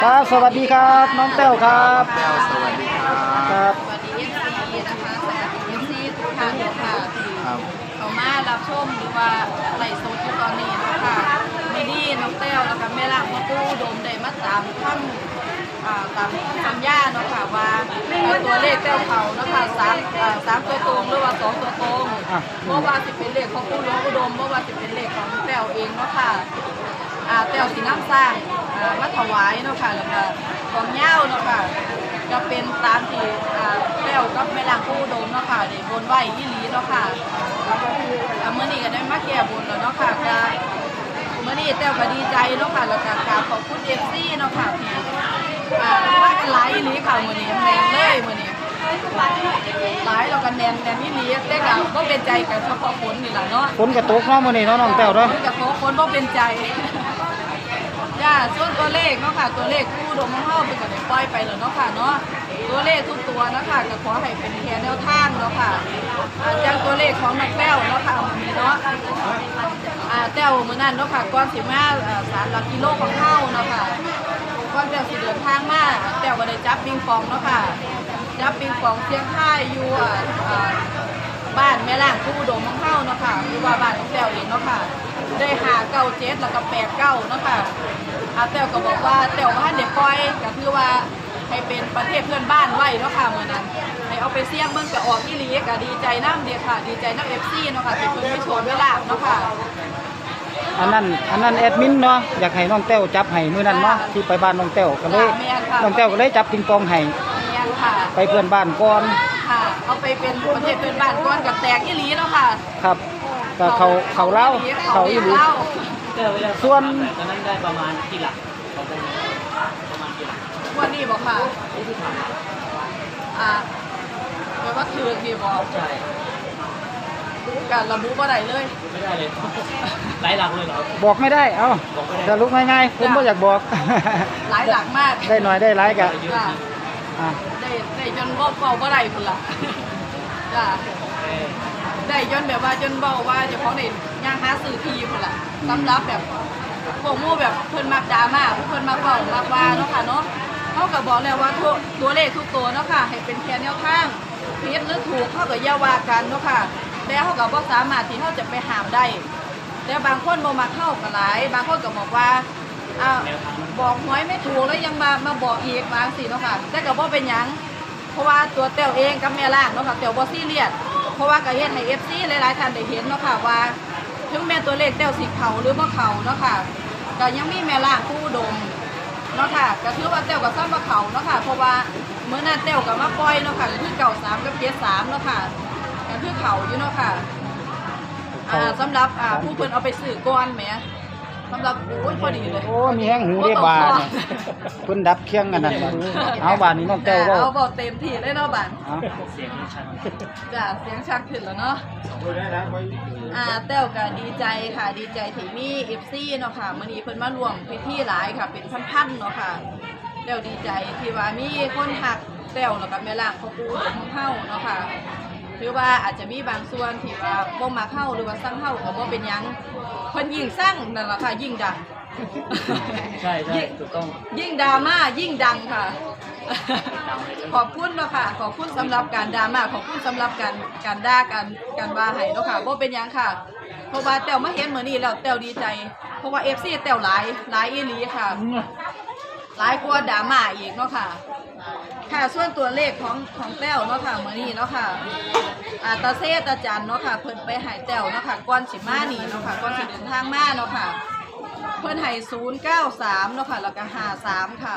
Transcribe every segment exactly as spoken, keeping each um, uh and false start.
ครับสวัสดีครับน้องแต้วครับแต้วสวัสดีครับครับสวัสดีเอฟซีนะคะสวัสดีเอฟซีทุกท่านค่ะที่เขามารับชมหรือว่าไลฟ์สดอยู่ตอนนี้นะคะมีดีน้องแต้วแล้วก็แม่ล่างพ่อปู่โดมได้มาตามทั้งตามสัญญาเนาะค่ะว่าตัวเลขแต้วเขานะคะสามสามตัวตรงหรือว่าสองตัวตรงเมื่อว่าสิเป็นเลขของปู่หลวงอุดมเมื่อว่าสิเป็นเลขของแต้วเองเนาะค่ะแต้วสีน้ำสร้างมาถวายเนาะค่ะแล้วก็ของเย้าเนาะค่ะก็เป็นตามที่แต้วกับแม่ล่างปู่โดมเนาะค่ะได้บนไหวยี่หลีเนาะค่ะเมื่อนี้ก็ได้มาแก้บนแล้วเนาะค่ะก็เมื่อนี้แต้วก็ดีใจเนาะค่ะแล้วก็กราบขอบคุณเอฟซีเนาะค่ะที่ว่ากันหลายยี่หลีค่ะมื่อนี้แมนเลยมื่อนี้หลายเรากันแนนแนนยี่หลีแต่ก็บ่เป็นใจกับเฉพาะฝนนี่แหละเนาะฝนกระตกเนาะมื้อนี้เนาะน้องแต้วเนาะฝนกระตกฝนบ่เป็นใจจ้าส่วนตัวเลขเนาะค่ะตัวเลขผู้ดมของเฮาเป็นก็ได้ปล่อยไปแล้วเนาะค่ะเนาะตัวเลขทุกตัวนะคะก็ขอให้เป็นแค่แนวทางเนาะค่ะจากตัวเลขของนักแต้วเนาะค่ะมื้อนี้เนาะอ่าแต้วมื้อนั้นเนาะค่ะก่อนสิมาสารหลักกิโลของเฮาเนาะค่ะก่อนแต้วสิเดินทางมาแต้วก็ได้จับปิงปองเนาะค่ะจับปิงปองเสียงค่ายอยู่อ่าบ้านแม่ล่างผู้ดมของเฮาเนาะค่ะหรือว่าบ้านของแต้วเองเนาะค่ะได้หาเก้าเจ็ดแล้วก็แปดเก้าเนาะค่ะอาแต้วก็บอกว่าแต้วบ้านเด็กปล่อยก็คือว่าให้เป็นประเทศเพื่อนบ้านไว้เนาะค่ะเมื่อนั้นให้เอาไปเสี่ยงเบิ่งก็ออกอีหลีก็ดีใจน้ำเดียค่ะดีใจน้ำเอฟซีเนาะค่ะที่เพิ่นไม่โชว์เวลาเนาะค่ะอันนั้นอันนั้นแอดมินเนาะอยากให้น้องแต้วจับให้มื้อนั้นเนาะที่ไปบ้านน้องแต้วก็เลยน้องแต้วก็เลยจับปิงปองให้ไปเพื่อนบ้านก่อนค่ะเอาไปเป็นประเทศเพื่อนบ้านก่อนกับแตกอีหลีเนาะค่ะครับก็เขาเขาเล่าเขาอีหลีส่วนตอนนั้นได้ประมาณกี่หลักประมาณกี่หลักวันนี้บอกค่ะอ่าแปลว่าคือกี่บอกใช่การระบุว่าใดเลยไม่ได้เลยหลายหลักเลยเหรอบอกไม่ได้เอ้าจะลุกง่ายๆผมก็อยากบอกหลายหลักมากได้หน่อยได้หลายกะได้ได้จนบ่เบาบ่ได้พุ่นละจ้าได้จนแบบว่าจนเบาว่าเฉพาะในย่างหาสื่อทีพุ่นละสำหรับแบบพวกมู่แบบเพิ่นมักดราม่าเพิ่นมักเบามากว่าเนาะค่ะเนาะเขาก็บอกแล้วว่าตัวตัวเลขทุกตัวเนาะค่ะให้เป็นแค่แนวทางผิดหรือถูกเขาก็อย่าว่ากันเนาะค่ะแต่เขาก็บ่สามารถที่เขาจะไปห้ามได้แต่บางคนบ่มักเข้าก็หลายบางคนก็บอกว่าอ้าวบอกหวยไม่ถูกแล้วยังมามาบอกอีกบางสิเนาะค่ะแต่ก็บ่เป็นหยังเพราะว่าตัวแต้วเองกับแม่ล่างเนาะค่ะแต้วบ่ซีเรียสเพราะว่าก็เฮ็ดให้ เอฟ ซี หลายๆท่านได้เห็นเนาะค่ะว่าถึงแม้ตัวเลขแต้วสิเข้าหรือบ่เข้าเนาะค่ะก็ยังมีแม่ล่างผู้ดมเนาะค่ะก็ถือว่าแต้วก็ซ้ำว่าเข้าเนาะค่ะเพราะว่าเมื่อนั้นแต้วก็มาปล่อยเนาะค่ะคือเก้าสามกับเจ็ดสามเนาะค่ะก็คือเข้าอยู่เนาะค่ะอ่าสำหรับอ่าผู้เพิ่นเอาไปซื้อก่อนแหมสำหรับโอ้ยพอดีเลยโอ้มีแห้งหูได้บาดเพิ่นดับเคียงกันนั่นเอาบาดนี้น้องแต้วก็เอาบอกเต็มที่เลยเนาะบาดเสียงชัดจ้ะเสียงชัดขึ้นแล้วเนาะอ่าแต้วก็ดีใจค่ะดีใจที่มี เอฟ ซี เนาะค่ะมื้อนี้เพิ่นมาร่วมพิธีหลายค่ะเป็นพันๆเนาะค่ะแต้วดีใจที่ว่ามีคนฮักแต้วแล้วก็แม่ล่างพ่อปู่ของเฮาเนาะค่ะถือว่าอาจจะมีบางส่วนที่ว่าบ่มาเข้าหรือว่าสร้างเข้าก็บ่เป็นหยังเพิ่นยิ่งสร้างนั่นล่ะค่ะยิ่งดังใช่ใช่ถูกต้องยิ่งดราม่ายิ่งดังค่ะขอบคุณเนาะค่ะขอบคุณสำหรับการดราม่าขอบคุณสำหรับการการด่ากันการว่าให้เนาะค่ะบ่เป็นหยังค่ะเพราะว่าแต้วมาเห็นมื้อนี้แล้วแต้วดีใจเพราะว่า เอฟ ซี แต้วหลายหลายอีหลีค่ะหลายกว่าดราม่าอีกเนาะค่ะค่ะส่วนตัวเลขของของแต้วเนาะค่ะมื้อนี้เนาะค่ะอาตาเซตาจันเนาะค่ะเพิ่นไปหายแต้วเนาะค่ะก่อนสิมานี่เนาะค่ะก่อนสิเดินทางมาเนาะค่ะเพิ่นให้ศูนย์เก้าสามเนาะค่ะแล้วก็ห้าสามค่ะ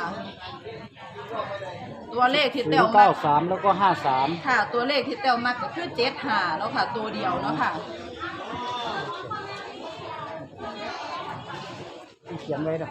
ตัวเลขที่แต้วเก้าสามแล้วก็ห้าสามค่ะตัวเลขที่แต้วมักก็คือเจ็ดห้าเนาะค่ะตัวเดียวเนาะค่ะเขียนไว้ด้วย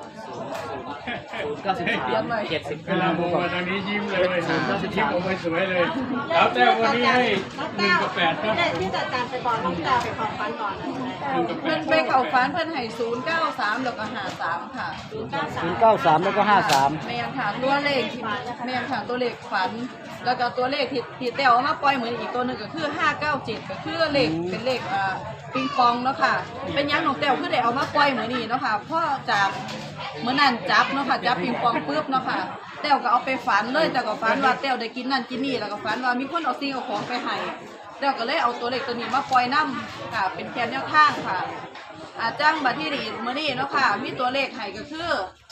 เก้าสิบสามเจ็ดสิบเวลามองมาทางนี้ยิ้มเลยยิ้มออกมาสวยเลยแล้วแต่วันนี้ให้หนึ่งกับแปดนะที่จัดการไปก่อนต้องจะไปขอฟันก่อนเพิ่นไปเข้าฝันเพิ่นให้ศูนย์เก้าสามแล้วก็ห้าสามค่ะศูนย์เก้าสามศูนย์เก้าสามแล้วก็ห้าสามแม่นค่ะตัวเลขแม่นค่ะตัวเลขฝันแล้วก็ตัวเลขที่ที่แต้วเอามาปล่อยเหมือนอีกตัวนึงก็คือห้าเก้าเจ็ดก็คือเลขเป็นเลขอ่าปิงปองเนาะค่ะเป็นยังน้องแต้วคือได้เอามาปล่อยเหมือนนี้เนาะค่ะเพราะจากเมื่อนั้นจับเนาะค่ะจับปิงปองปุ๊บเนาะค่ะแต้วก็เอาไปฝันเลยแต่ก็ฝันว่าแต้วได้กินนั่นกินนี่แล้วก็ฝันว่ามีคนเอาสิ่งเอาของไปให้แต้วก็เลยเอาตัวเลขตัวนี้มาปล่อยน้ำค่ะเป็นแค่แนวทางค่ะอาจ้างบัตรที่ดีเมื่อนี้เนาะค่ะมีตัวเลขให้ก็คือ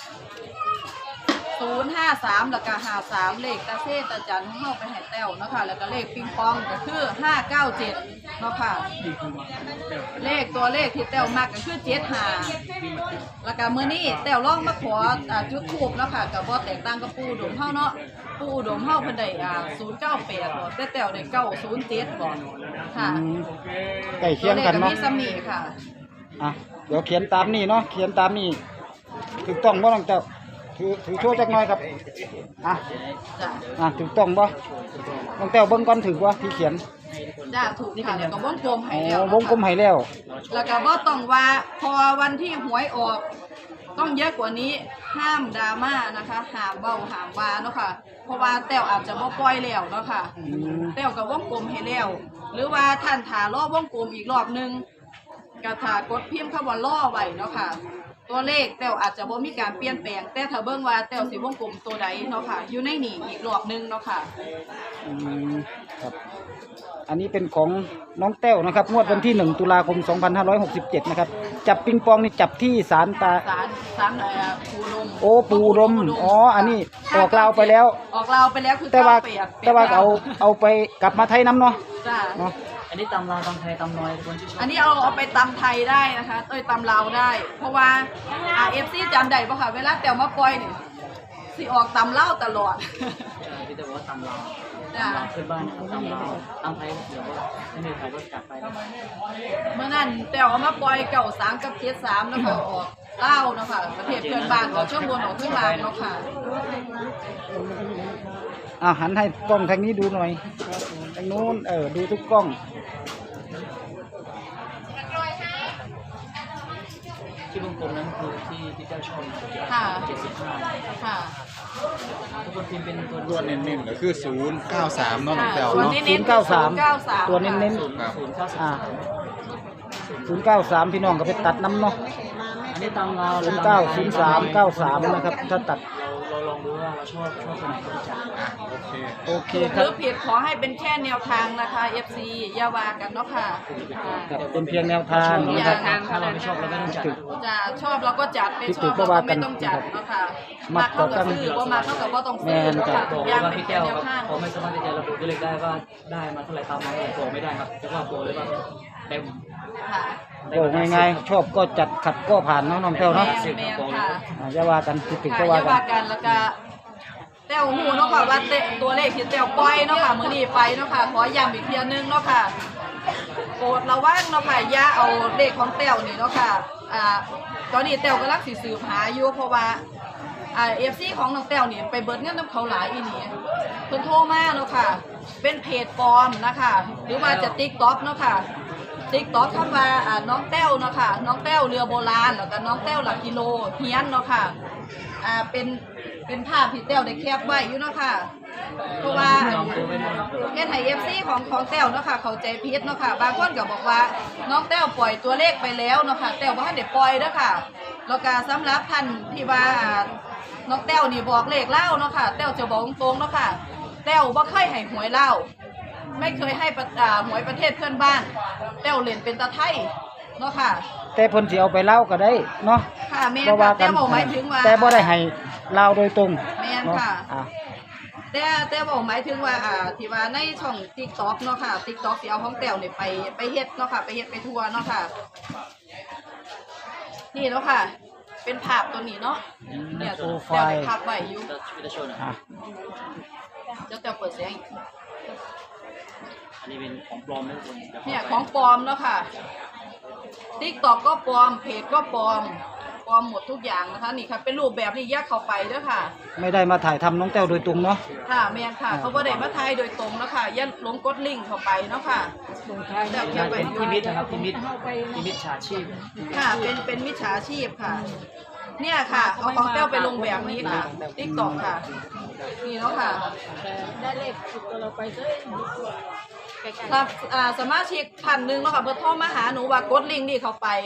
ศูนย์ห้าสามแล้วก็ห้าสามเลขตาเซตาจันเข้าไปให้แต้วเนาะค่ะแล้วก็เลขปิงปองก็คือห้าเก้าเจ็ดเนาะค่ะเลขตัวเลขที่แต้วมักก็คือเจ็ดห้าแล้วก็มื้อนี้แต้วลองมาขออ่าจุดธูปเนาะค่ะก็บ่แตกต่างกับปู่อุดมเฮาเนาะปู่อุดมเฮาเพิ่นได้อ่าศูนย์เก้าแปดบ่แต่แต้วได้เก้าศูนย์เจ็ดบ่ค่ะอืมใกล้เคียงกันตัวเลขก็เนาะมีซ้ำนี่ค่ะอ่ะเดี๋ยวเขียนตามนี่เนาะเขียนตามนี่ถูกต้องบ่น้องเต้าถือถือโชว์จักหน่อยครับอ่ะจ้ะอ่ะถูกต้องบ่น้องเต้าเบิ่งก่อนถือว่าที่เขียนจ้ะถูกค่ะแล้วก็วงกลมให้อ๋แล้วอเนาะวงกลมให้แล้วแล้วก็บ่ต้องว่าพอวันที่หวยออก ต้องเยอะกว่านี้ห้ามดราม่านะคะห้ามเบ้าห้ามว่าเนาะค่ะเพราะว่าแต้วอาจจะบ่ปล่อยแล้วเนาะค่ะอืมแต้วกับวงกลมให้แล้วหรือว่าท่านถารอบวงกลมอีกรอบหนึงก็ถ้ากดพิมพ์คำว่าล่อไว้เนาะค่ะตัวเลขแต้วอาจจะบ่มีการเปลี่ยนแปลงแต่ถ้าเบิ่งว่าแต้วสิวงกลมตัวใดเนาะค่ะอยู่ในนี่อีกรอบหนึงเนาะค่ะอืมครับอันนี้เป็นของน้องแต้วนะครับงวดวันที่หนึ่งตุลาคมสองพันห้าร้อยหกสิบเจ็ดนะครับจับปิงปองนี่จับที่ศาลตาสารสารอะไรอะปูลมโอ้ปูรมอ๋ออันนี้ออกลาวไปแล้วออกลาวไปแล้วคือแต่ว่าเก้เปียกแต่ว่าเอาเอาไปกลับมาไทยน้ำเนาะจ้าเนาะอันนี้ตำลาวตำไทยตำน้อยคนที่ชอบอันนี้เอาเอาไปตำไทยได้นะคะเอ้ยตำลาวได้ เพราะว่าอ่าเอฟซีจำได้ปะค่ะเวลาแต้วมาปล่อยนี่สิออกตำเล่าวตลอดพี่แต่ว่าตำลาวจ้าตำลาวขึ้นบ้านนะครับตำลาวตำไทยเดี๋ยวว่าไม่มีใครก็จัดไปนะเมื่อนั้นแต้วเอามาปล่อยเก่าสามกับเจ็ดสามแล้วก็ออกเล่าวเนาะค่ะประเทศเพื่อนบ้านออกช่วงบนออกขึ้นมาเนาะค่ะอ่ะหันให้กล้องทางนี้ดูหน่อยทางนู้นเออดูทุกกล้องที่วงกลมนั้นคือที่พี่เจ้าชอบค่ะเจ็ดสิบห้าค่ะทุกคนพิมพ์เป็นตัวตัวเน้นๆก็คือศูนย์เก้าสามเนาะน้องแต้วส่วนเนาะนี้เน้นคือศูนย์เก้าสามตัวเน้นศูนย์ศูนย์เก้าสิบอ่าสามศูนย์เก้าสามพี่น้องก็ไปตัดน้ำเนาะอันนี้ตำลาวศูนย์เก้าศูนย์สามเก้าสามนะครับถ้าตัดเราเราลองดูว่าเราชอบชอบคนไหนก็จัดอ่ะโอเคโอเคหครัรืบอผิดขอให้เป็นแค่แนวทางนะคะ เอฟ ซี อย่าว่ากันเนาะค่ะครับเป็นเพียงแนวทางเรานะไม่คต้รัอบ งถ้าเราไม่ชอบเราไม่ต้องจัดจะชอบเราก็จัดไม่ชอบผิดถูกก็เราว่าก็กัไม่นต้องจัดเนาะค่ะมัมากกเข้าก็กับต้องซื้อบ่มาเข้ากับบ่ต้องซื้อแม่นเนาะครัค่ะบทุบอกกอย่างว่าเป็นพี่แค่แก้วแนวทางเขาไม่สามารถที่จะระบุตัวเลขได้ว่าได้มาเท่าไหร่ตามนั้นบอกไม่ได้ครับเพราะว่าบอกเลยว่าเต็มค่ะโอ้ง่ายๆชอบก็จัดขัดก็ผ่านเนาะน้องแต้วแม่เนาะนแม่นค่ะอ่าอย่าว่ากันผิดถูกค่ะก็อว่าย่ากัว่าน กันแล้วก็แต้วหูเนาะค่ะว่าเตตัวเลขที่แต้วปล่อยเนาะค่ะมื้อนี้ไปเนาะค่ะขอย้ำอีกเทียนึงเนาะค่ะโปรดระวังเนาะค่ะอย่าเอาเลขของแต้วนี่เนาะค่ะอ่าตอนนี้แต้วกำลังสิสืบหาอยู่เพราะว่าอ่า เอฟ ซี ของน้องแต้วนี่ไปเบิดเงินน้ำเขาหลายอีนี่เพิ่นโทรมาเนาะค่ะเป็นเพจปลอมนะคะหรือว่าจะ TikTok เนาะค่ะ TikTok คำว่าอ่าน้องแต้วเนาะค่ะน้องแต้วเรือโบราณแล้วก็น้องแต้วหลักกิโลเฮียนเนาะค่ะอ่าเป็นเป็นภาพที่แต้วได้แคปไว้อยู่เนาะค่ะเพราะว่าลองดูไม่ได้ครับเฮ็ดให้ เอฟ ซี ของของแต้วเนาะค่ะเข้าใจผิดเนาะค่ะบางคนก็บอกว่าน้องแต้วปล่อยตัวเลขไปแล้วเนาะค่ะแต้วบ่ทันได้ปล่อยเด้อค่ะแล้วก็สำหรับท่านที่ว่าอ่าน้องแต้วนี่บอกเลขเล่าเนาะค่ะแต้วจะบอกตรงๆเนาะค่ะแต้วบ่เคยให้หวยเล่าไม่เคยให้ประอ่าหวยประเทศเพื่อนบ้านแต้วเล่นเป็นตาไทยเนาะค่ะแต่เพิ่นสิเอาไปเล่าก็ได้เนาะค่ะแม่นบ่ค่ะว่ากัแต่นบอกหมายถึงว่าแต่บ่ได้ให้เล่าโดยตรงแม่นเนาะค่ะอ่ะแต่แต่บอกหมายถึงว่าอ่าที่ว่าในช่อง TikTok เนาะค่ะ TikTok สิเอาของแต้วนี่ไปไปเฮ็ดเนาะค่ะไปเฮ็ดไปทัวร์เนาะค่ะ นี่เนาะค่ะ เป็นภาพตัวนี้เนาะเนี่ยแต้วได้ภาพไว้อยู่จะชีวิตจะโชว์หน่อยอ่ะเดี๋ยวแต้วเปิดเสียงอีกอันนี้เป็นของปลอมนะทุกคนดี๋วเนี่ยของปลอมเนาะค่ะ TikTok ก็ปลอมเพจก็ปลอมปลอมหมดทุกอย่างนะคะนี่ค่ะเป็นรูปแบบนี้แยกเข้าไปเด้อค่ะไม่ได้มาถ่ายทำน้องแต้วโดยตรงเนาะค่ะแม่นค่ะเขาบ่ได้มาทายโดยตรงเนาะค่ะอย่าหลงกดลิงก์เข้าไปเนาะค่ะแต้วเขียนไว้เป็นพิมิตนะครับพิมิตพิมิตฉาชีพค่ะเป็นเป็นมิจฉาชีพค่ะ เนี่ยค่ะเอาของแต้วไปลงแบบนี้ค่ะ TikTok ค่ะ นี่เนาะค่ะได้เลขสิบตัวเราไปด้วยใกล้ครับอ่าสมาชิกพันหนึ่งเนาะค่ะเบอร์โทรมาหาหนูว่ากดลิงก์นี่เข้าไป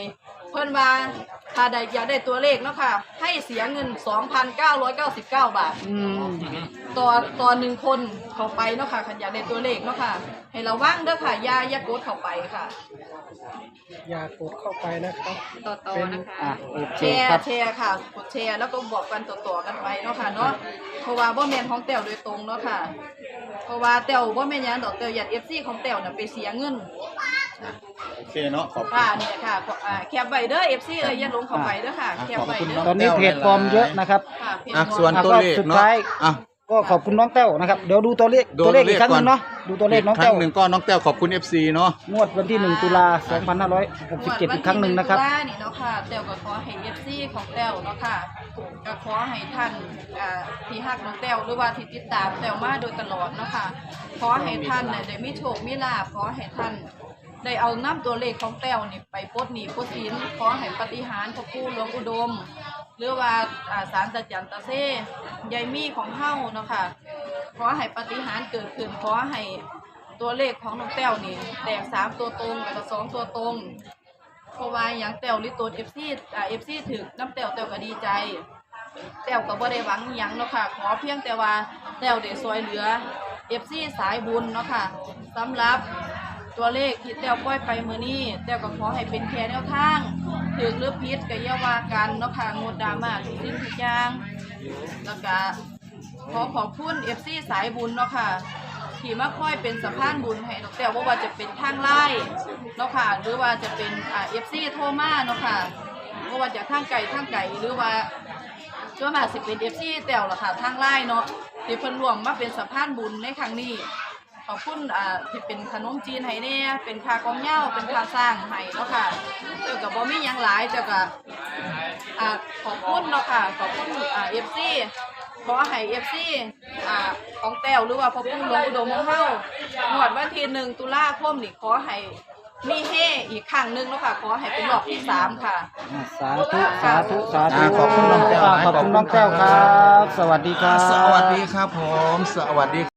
เพิ่นว่าถ้าได้อยากได้ตัวเลขเนาะค่ะให้เสียเงิน สองพันเก้าร้อยเก้าสิบเก้า บาทอืมต่อต่อหนึ่งคนเข้าไปเนาะค่ะคันอยากได้ตัวเลขเนาะค่ะให้ระวังเด้อค่ะอย่าอย่ากดเข้าไปค่ะอย่ากดเข้าไปนะครับต่อต่อนะคะอ่ะโอเคแชร์ครับแชร์ค่ะกดแชร์แล้วก็บอกกันต่อๆกันไปเนาะค่ะเนาะเพราะว่าบ่แม่นของแต้วโดยตรงเนาะค่ะ เพราะว่าแต้วบ่แม่นหยังดอกแต้วอยาก เอฟ ซี ของแต้วน่ะไปเสียเงินโอเคเนาะขอบคุณค่ะเนี่ยค่ะอ่าแคปไว้เด้อ เอฟ ซี เอ้ยอย่าลงเข้าไปเด้อค่ะแคปไว้เด้อตอนนี้เพจปลอมเยอะนะครับค่ะเพจอ่ะหมดส่วนตัวเลขสุดเนาะท้ายอ่ะก็ขอบคุณน้องแต้วนะครับเดี๋ยวดูตัวเลขดูตัวเลขตัวเลขอีกครั้งหนึงก่อนเนาะดูตัวเลขน้องครั้แต้วงหนึ่งก็น้องแต้วขอบคุณ เอฟ ซี เนาะงวดวันที่หนึ่งตุลาสองพันห้าร้อยหกสิบเจ็ดอีกครั้งหนึ่งนะครับวัที่หงตุลานี่เนาะค่ะแต้วก็ขอให้ เอฟ ซี ของแต้วเนาะค่ะก็ขอให้ท่านอ่าที่ฮักน้องแต้วหรือว่าที่ติดตามแต้วมาโดยตลอดเนาะค่ะขอให้ท่านเนี่ยได้มีโชคมีลาภขอให้ท่านได้เอาน้ำตัวเลขของแต้วนี่ไปปลดหนี้ปลดสินขอให้ปฏิหารย์พระผู้หลวงอุดม หรือว่าอ่าสารตะจันตะเซ่ยายมีของเฮาเนาะค่ะขอให้ปฏิหารย์เกิดขึ้นขอให้ตัวเลขของน้องแต้วนี่แตกสามตัวตรงแล้วก็สองตัวตรงเพราะว่าอย่างแต้วลิโตนเอฟซีอ่าเอฟซีถึกน้ำแต้วแต้วก็ดีใจแต้วก็บ่ได้หวังหยังเนาะค่ะขอเพียงแต่ว่าแต้วได้ซอยเหลือเอฟซีสายบุญเนาะค่ะสำหรับตัวเลขที่แต้วปล่อยไปมื้อนี้แต้วก็ขอให้เป็นแค่แนวทางถึกหรือผิดก็อย่าว่ากันเนาะค่ะงดดราม่าทุกสิ่งทุกอย่างแล้วก็ขอขอบคุณ เอฟ ซี สายบุญเนาะค่ะที่มาค่อยเป็นสะพานบุญให้ดอกแต้วว่าว่าจะเป็นทางไล่เนาะค่ะหรือว่าจะเป็นอ่า เอฟ ซี โทรมาเนาะค่ะว่าว่าจากทางไกลทางไกลหรือว่าช่วงมาสิเป็น เอฟ ซี แต้วล่ะค่ะทางไล่เนาะที่เพิ่นรวมมาเป็นสะพานบุญในครั้งนี้ขอบคุณอ่าที่เป็นขนมจีนให้แน่เป็นค่ากองเหย้าเป็นค่าสร้างให้เนาะค่ะเจ้าก็บ่มีหยังหลายเจ้าก็อ่าขอบคุณเนาะค่ะขอบคุณอ่า เอฟ ซี ขอให้ เอฟ ซี อ่าของแต้วหรือว่าพ่อปู่หลวงอุดมของเฮางวดวันที่หนึ่งตุลาคมนี่ขอให้มีเฮอีกครั้งหนึงเนาะค่ะขอให้เป็นรอบที่สามค่ะอ่ะสาธุสาธุสาธุอ่ะขอบคุณน้องแต้วขอบคุณน้องแต้วครับ สวัสดีครับสวัสดีครับผมสวัสดี